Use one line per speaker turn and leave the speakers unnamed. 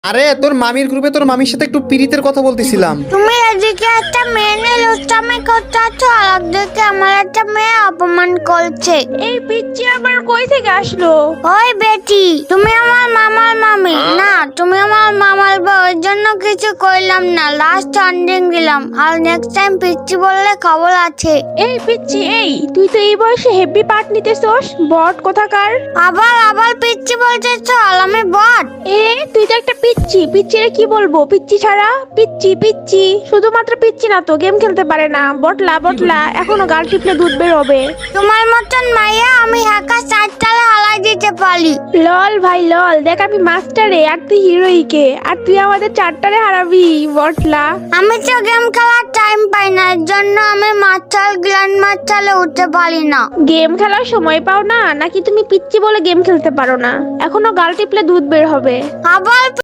আরে তোর মামির গ্রুপে তোর মামির সাথে একটু পিরিতের কথা বলতেছিলাম।
তুমি এদিকে একটা মেয়ে নিয়ে লুচ্চামি করতেছো, আর একদিকে আমার একটা মেয়ে অপমান করছে।
এই পিচ্চি আবার কই থেকে আসলো?
ওই বেটি, তুমি আমার মামার মামি না, তুমি আমার মামার বউ, ওই জন্য কিছু কইলাম না, লাস্ট ওয়ার্নিং দিলাম। আর নেক্সট টাইম পিচ্চি বললে খবর আছে।
এই পিচ্চি, এই তুই তো এই বয়সে হেভি পার্ট নিতেছস, বট কোথাকার।
আবার পিচ্চি বলতেছো, আর আমি বট?
তুই তো একটা পিচ্চি, পিচ্চিরে কি বলবো? পিচ্চি ছাড়া পিচ্চি শুধুমাত্র পিচ্চি না তো, গেম খেলতে পারে না, বটলা এখনো গাল টিপলে দুধ বের হবে।
তোমার মতন মাইয়া আমি একা 4 তালে হালাই দিতে পারি।
লল ভাই লল, দেখ আমি মাস্টারে আর তুই হিরোইকে, আর তুই আমাদের 4টারে হারাবি বটলা।
আমি তো গেম খেলার টাইম পাই না, এর জন্য আমি মাস্টার গ্র্যান্ড মাস্টারে উঠতে পারি না।
গেম খেলার সময় পাও না নাকি? তুমি পিচ্চি বলে গেম খেলতে পারো না? এখনো গাল টিপলে দুধ বের হবে।
আবার